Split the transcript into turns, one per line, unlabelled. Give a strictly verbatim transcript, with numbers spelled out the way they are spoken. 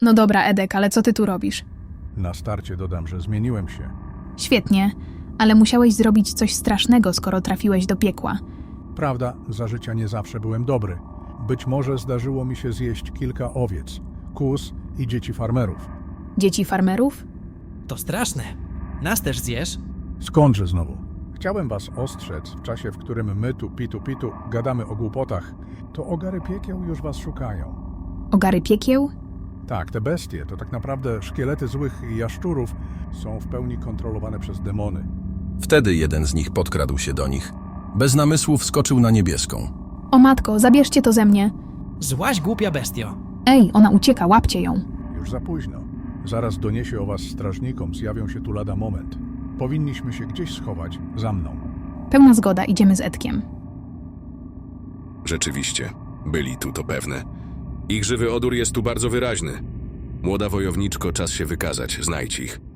No dobra, Edek, ale co ty tu robisz?
Na starcie dodam, że zmieniłem się.
Świetnie, ale musiałeś zrobić coś strasznego, skoro trafiłeś do piekła.
Prawda, za życia nie zawsze byłem dobry. Być może zdarzyło mi się zjeść kilka owiec, kóz i dzieci farmerów.
Dzieci farmerów?
To straszne. Nas też zjesz?
Skądże znowu? Chciałem was ostrzec w czasie, w którym my tu pitu pitu gadamy o głupotach, to ogary piekieł już was szukają.
Ogary piekieł?
Tak, te bestie to tak naprawdę szkielety złych jaszczurów są w pełni kontrolowane przez demony.
Wtedy jeden z nich podkradł się do nich. Bez namysłu wskoczył na niebieską.
O matko, zabierzcie to ze mnie.
Złaś głupia bestio.
Ej, ona ucieka, łapcie ją.
Już za późno. Zaraz doniesie o was strażnikom, zjawią się tu lada moment. Powinniśmy się gdzieś schować, za mną.
Pełna zgoda, idziemy z Edkiem.
Rzeczywiście, byli tu, to pewne. Ich żywy odór jest tu bardzo wyraźny. Młoda wojowniczko, czas się wykazać, znajdź ich.